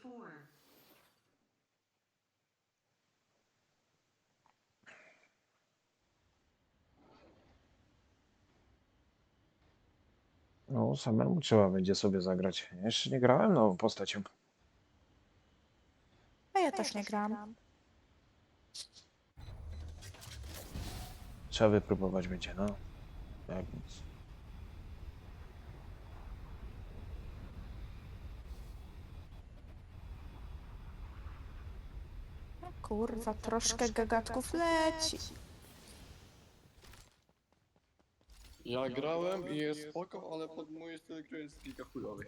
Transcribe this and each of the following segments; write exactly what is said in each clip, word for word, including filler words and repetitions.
No, samemu trzeba będzie sobie zagrać. Jeszcze nie grałem nową postacią. A ja też nie gram. Trzeba wypróbować będzie, no. Jak nic. Kurwa, troszkę gagatków leci. Ja grałem i jest spoko, ale pod mój styl gry jest kilka chujowych.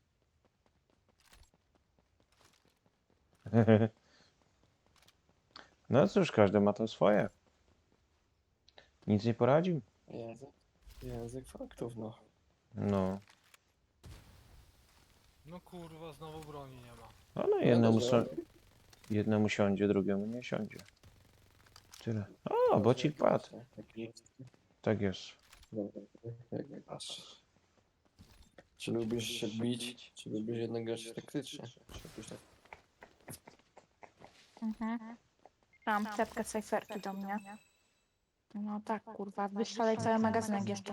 No cóż, każdy ma to swoje. Nic nie poradził. Język, język faktów, no. No. No kurwa, znowu broni nie ma. Ale jednemu, so... jednemu siądzie, drugiemu nie siądzie. Tyle. O, bocik padł. Tak jest. Jak masz. Czy lubisz się bić, czy lubisz jednak grać taktycznie? Czy jakoś tak? Mhm. Mam klepkę cyferki do mnie. No tak, kurwa, wyszalej cały magazynek jeszcze.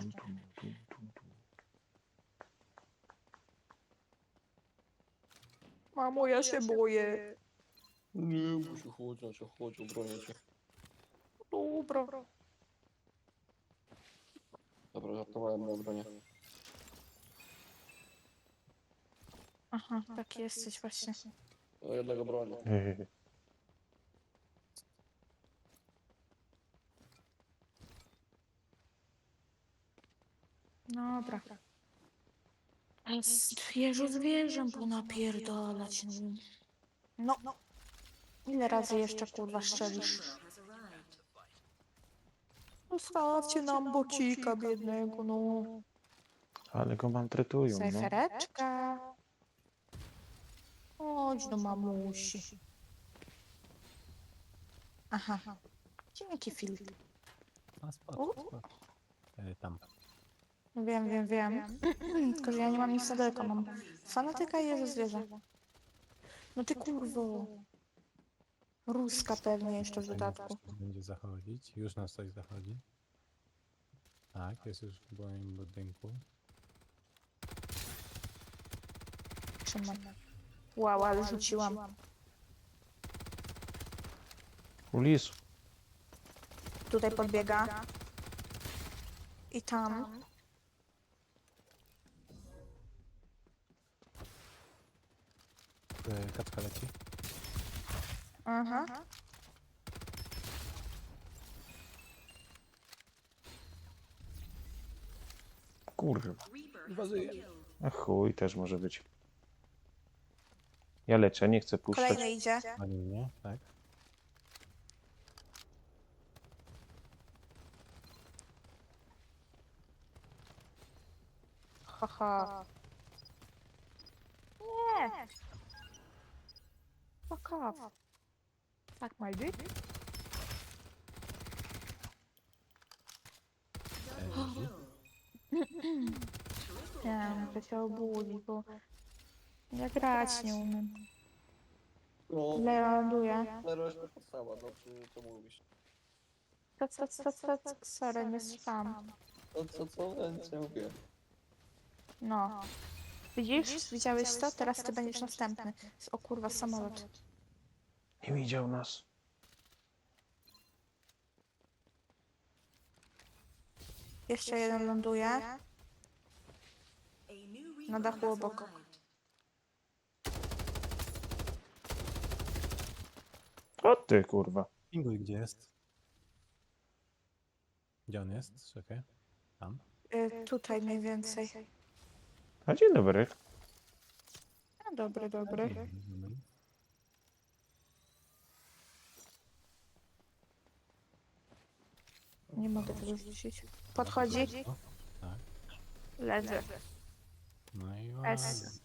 Mamo, ja się boję. Nie, bo się chodzi, się chodzi, obronię cię. Dobra. Dobra, żartowałem na obronie. Aha, taki jesteś właśnie. O jednego bronię. Dobra. Zwierzę zwierzę, bo napierdalać. No. Ile razy jeszcze, kurwa, szczelisz? Zostawcie nam bocika biednego, no. Ale go maltretują, no. Cyfereczka. Chodź do mamusi. Aha. Dzięki, Filip. A spoko, U? spoko. E, tam. Wiem, wiem, wiem. Tylko, że ja nie mam nic na daleko. Mam fanatyka i Jezu zwierzę. No ty kurwo. Ruska pewnie jeszcze w dodatku. Coś będzie zachodzić. Już nas coś zachodzi. Tak, jest już w moim budynku. Trzymam. Wow, ale rzuciłam. Ulis. Tutaj podbiega. I tam. E, kaczka leci. Aha. Kurwa. Inwazyjnie. A chuj, też może być. Ja leczę, nie chcę puszczać. Kolejny idzie. Ani mnie, tak? Haha. Nie. Fuck off. Fuck my dick. E, Easy. Nie, muszę się obudzić, bo ja grać nie umiem. No, Ile ląduje? na resztę podstawa, no czy co mówisz? Co, co, co, co, co, sorry, nie spam. Co, co, co? Ja nic nie mówię. No. Widzisz? Widziałeś to? Teraz ty będziesz następny. O kurwa, samolot. Nie widział nas. Jeszcze jeden ląduje. Na dachu obok. O ty, kurwa. Pinguj, gdzie jest? Gdzie on jest? Czekaj. Tam. Y, tutaj mniej więcej. A dzień dobry. A, dobry, dobry. Mhm. Nie mogę tego rzucić. Podchodzi. O, tak. Leży. No i S. ładnie.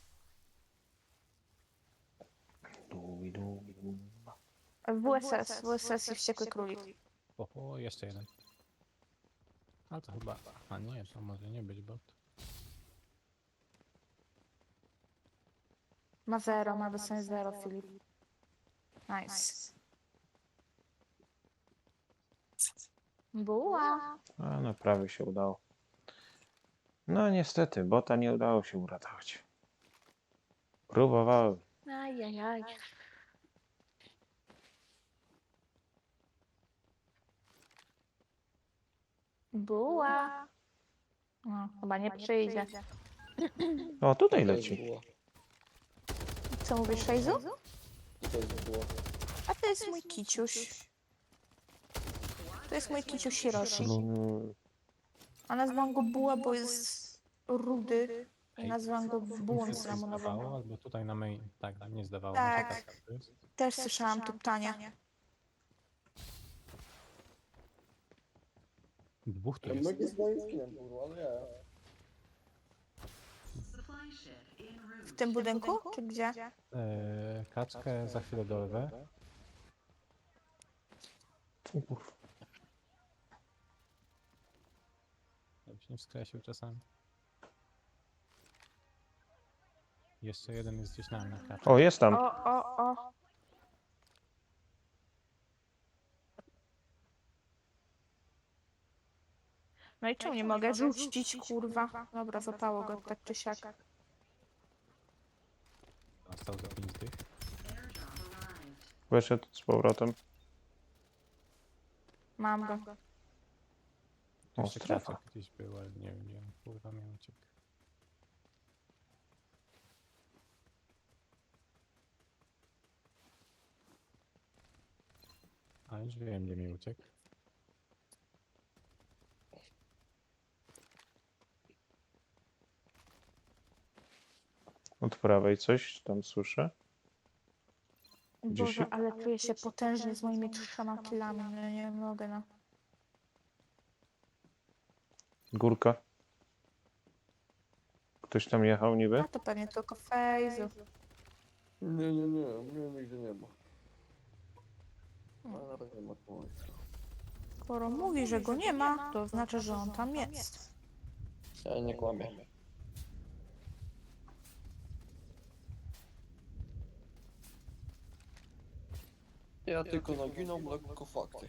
Dubi, dubi, dubi. W S S. W S S i wściekły królik. Oho, jeszcze jeden. A to chyba... A nie, to może nie być bot. Ma zero, ma wysłanie zero, Filip. Nice. Buła. A, no prawie się udało. No niestety, bota nie udało się uratować. Próbowałem. Ajajaj. Buła. No, chyba nie przyjdzie. O, tutaj To jest leci. buła. Co mówisz, Szejzu? To jest buła. A to jest mój kiciuś. To jest mój kiciuś Hiroshi. Mm, A nazwałam go Buła, bo jest rudy. I Ej, nazwałam go Bułą Nic się cynamonową. zdawało, albo tutaj na main. Tak, tak, nie zdawało Tak. mi się tak. to jest. Też słyszałam tu pytanie. Dwóch tu Ja jest. mogę z moim skinem, kurwa, ale ja. W tym budynku? Czy gdzie? Eee, kaczkę za chwilę dorwę. Uf. Żebyś nie wskrzesił czasami. Jeszcze jeden jest gdzieś na mnie, kaczka. O, jest tam. O, o, o. No i czemu nie mogę rzucić, kurwa? Dobra, zapało go tak czy siak. Został za pięć tych. Wyszedł z powrotem. Mam go. O, Jeszcze strefa. kaczek gdzieś był, ale nie wiem gdzie on kurwa miał uciekł. A już wiem gdzie mi uciekł. Od prawej coś tam słyszę. Gdzieś- Boże, ale czuję się potężnie z moimi trzema kilami. No nie mogę, no. Górka. Ktoś tam jechał niby? A to pewnie tylko Fejzu. Nie, nie, nie, mnie nigdy nie ma. A nawet nie ma kurwa. Skoro mówi, że go nie ma, to znaczy, że on tam jest. Ja nie kłamię. Ja tylko naginam lekko fakty.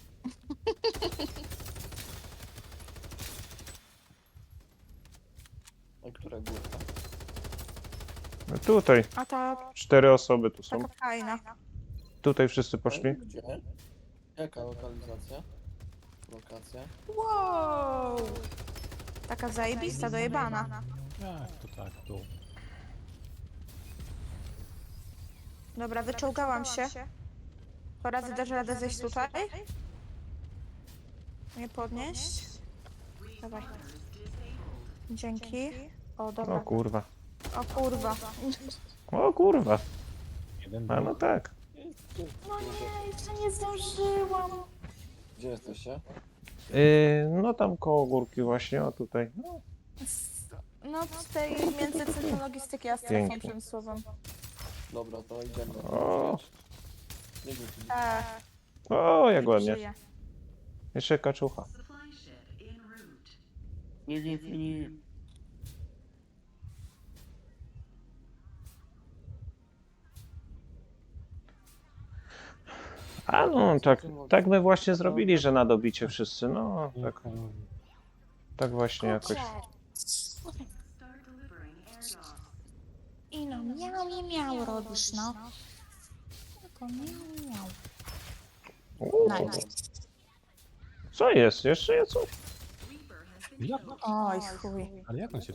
A która górka? No tutaj. A ta Cztery osoby tu są. taka fajna. Tutaj wszyscy poszli. Gdzie? Jaka lokalizacja? Lokacja? Wow! Taka zajebista, dojebana. Jak to tak tu? Dobra, wyczołgałam się. Po razy dasz radę zejść tutaj? Nie podnieść? Dawaj. Dzięki. O, O dobra. kurwa. O kurwa. O kurwa. Jeden A był. no tak. No nie, jeszcze nie zdążyłam. Gdzie jesteście? Yy, no tam koło górki właśnie, o tutaj. No, Z- No z tej między centrum logistyki a strefą Pięknie. przemysłową. Dobra, to idziemy. O. Nie wiem, czy- Tak. o jak ładnie. Żyję. Jeszcze kaczucha. Nie wiem, Filip. A no, tak, tak my właśnie zrobili, że na dobicie wszyscy. No, tak, tak właśnie jakoś. I no miał i miał robisz, no. Tylko miał, miał. Uuu, Nice. co jest? Jeszcze jest coś? Jak? Oj chuj. Ale jak on się